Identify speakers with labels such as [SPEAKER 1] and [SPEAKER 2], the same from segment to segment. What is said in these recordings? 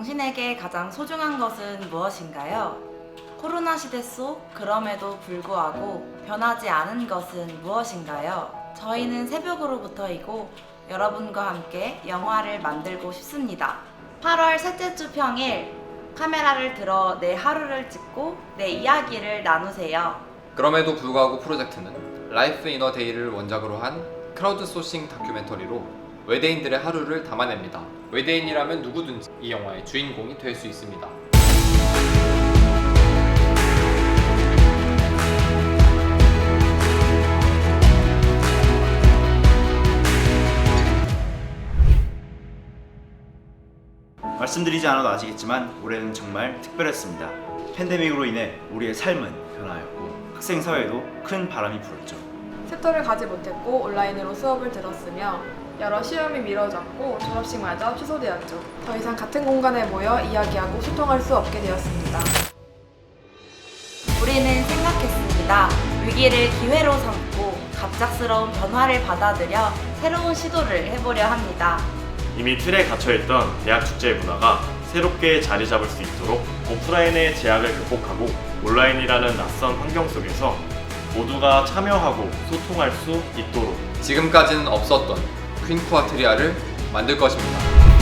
[SPEAKER 1] 당신에게 가장 소중한 것은 무엇인가요? 코로나 시대 속 그럼에도 불구하고 변하지 않은 것은 무엇인가요? 저희는 새벽으로부터이고 여러분과 함께 영화를 만들고 싶습니다. 8월 셋째 주 평일 카메라를 들어 내 하루를 찍고 내 이야기를 나누세요.
[SPEAKER 2] 그럼에도 불구하고 프로젝트는 라이프 이너 데이를 원작으로 한 크라우드 소싱 다큐멘터리로 외대인들의 하루를 담아냅니다. 외대인이라면 누구든지 이 영화의 주인공이 될 수 있습니다.
[SPEAKER 3] 말씀드리지 않아도 아시겠지만 올해는 정말 특별했습니다. 팬데믹으로 인해 우리의 삶은 변화였고 학생 사회에도 큰 바람이 불었죠.
[SPEAKER 4] 챕터를 가지 못했고 온라인으로 수업을 들었으며 여러 시험이 미뤄졌고 졸업식마저 취소되었죠. 더 이상 같은 공간에 모여 이야기하고 소통할 수 없게 되었습니다.
[SPEAKER 1] 우리는 생각했습니다. 위기를 기회로 삼고 갑작스러운 변화를 받아들여 새로운 시도를 해보려 합니다.
[SPEAKER 5] 이미 틀에 갇혀있던 대학 축제의 문화가 새롭게 자리 잡을 수 있도록 오프라인의 제약을 극복하고 온라인이라는 낯선 환경 속에서 모두가 참여하고 소통할 수 있도록
[SPEAKER 2] 지금까지는 없었던 퀸쿠아트리아를 만들 것입니다.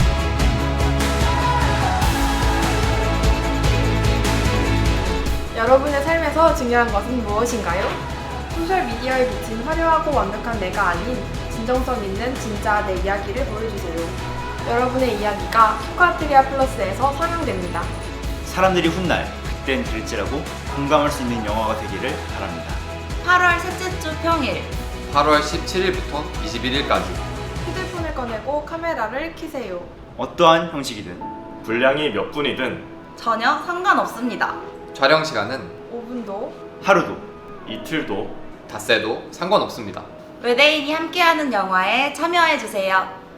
[SPEAKER 4] 여러분의 삶에서 중요한 것은 무엇인가요? 소셜미디어에 비친 화려하고 완벽한 내가 아닌 진정성 있는 진짜 내 이야기를 보여주세요. 여러분의 이야기가 큐카트리아 플러스에서 상영됩니다.
[SPEAKER 3] 사람들이 훗날 그땐 그랬지라고 공감할 수 있는 영화가 되기를 바랍니다.
[SPEAKER 1] 8월 셋째 주 평일
[SPEAKER 2] 8월 17일부터 21일까지
[SPEAKER 4] 휴대폰을 꺼내고 카메라를 켜세요.
[SPEAKER 3] 어떠한 형식이든
[SPEAKER 5] 분량이 몇 분이든
[SPEAKER 1] 전혀 상관없습니다.
[SPEAKER 2] 촬영 시간은
[SPEAKER 4] 5분도
[SPEAKER 3] 하루도
[SPEAKER 5] 이틀도
[SPEAKER 2] 닷새도 상관없습니다.
[SPEAKER 1] 외대인이 함께하는 영화에 참여해주세요.